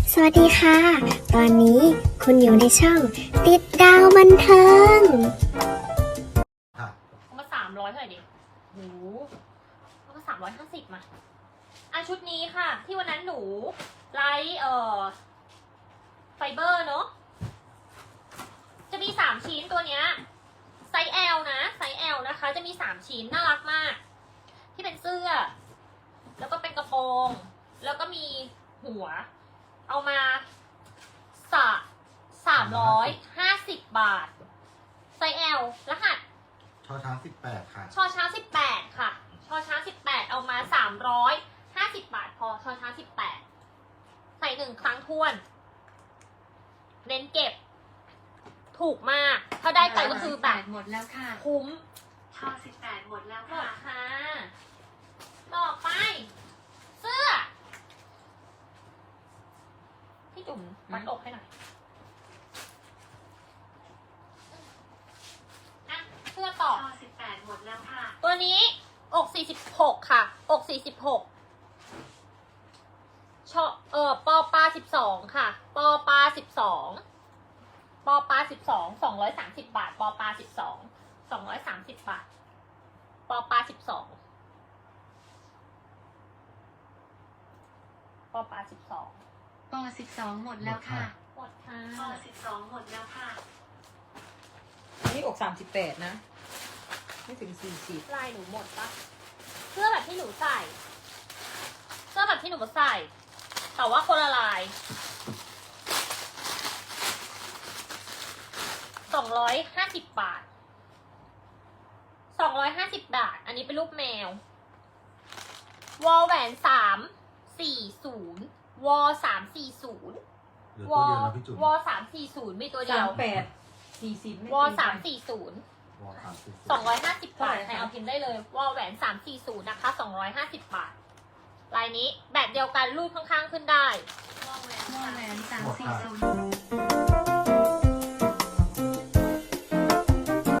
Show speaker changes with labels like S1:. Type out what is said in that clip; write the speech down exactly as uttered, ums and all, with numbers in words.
S1: สวัสดีค่ะ ตอนนี้คุณอยู่ในช่องติดดาวบันเทิง
S2: เอามาสามร้อยเท่าไหร่ดิโหเอามาสามร้อยห้าสิบมาอ่ะชุดนี้ค่ะ ที่วันนั้นหนูไลท์เอ่อไฟเบอร์เนาะ จะมีสามชิ้นตัวเนี้ยไซส์ L นะ ไซส์ L นะคะ จะมีสามชิ้นน่ารักมาก ที่เป็นเสื้อ แล้วก็เป็นกระโปรง แล้วก็มีหัว เอามาสะสามร้อยห้าสิบบาท ไซส์ L รหัส
S3: ชอช้างสิบแปดค่ะ
S2: ชอช้างสิบแปดค่ะชอช้างสิบแปดเอามาสามร้อยห้าสิบบาทพอชอช้างสิบแปดใส่หนึ่งครั้งท้วน เน้นเก็บ ถูกมาก ถ้าได้ไปก็คือแบบ
S4: หมดแล้วค่ะ
S2: คุ้ม
S4: ชอสิบแปดหมดแล้ว
S2: หม
S4: ค่ะ
S2: ดค่ะต่อไป เสื้อ พี่จุ๋มมัดอกให้หน่อยอะเสื้อต่อ
S4: ชอสิบแปดหมดแล้วค่ะ
S2: ตัวนี้อกสี่สิบหกค่ะ อกสี่สิบหกชอเออปอปลาสิบสองค่ะ ปอปลาสิบสองปอปลาสิบสองสองร้อยสามสิบบาท ปอปลาสิบสองสองร้อยสามสิบบาท ปอปลาสิบสองปอปลาสิบสอง
S4: ปอสิบสองหมดแล้วค่ะ
S2: หมดค่ะ
S4: ปอสิบสองหมดแล้วค่ะ
S5: อันนี้อกสามสิบแปดนะไม่ถึงสี่สิบ
S2: ลายหนูหมดปะเสื้อแบบที่หนูใส่เสื้อแบบที่หนูใส่แต่ว่าคนละลายสองร้อยห้าสิบบาทสองร้อยห้าสิบบาทอันนี้เป็นรูปแมววอลแหวนสามสี่ศูนย์วอสามสี่ศูนย์วอวอสามสี่ศูนย์มีตัวเดียว
S5: สามแปดสี่สิบ
S2: วอสามสี่ศูนย์สองร้อยห้าสิบบาทใครเอาพิมพ์ได้เลยวอลแหวนสามสี่ศูนย์นะคะสองร้อยห้าสิบบาทลายนี้แบบเดียวกันรูดข้างๆขึ้นได้
S4: วอแหวนสามสี่ศูนย์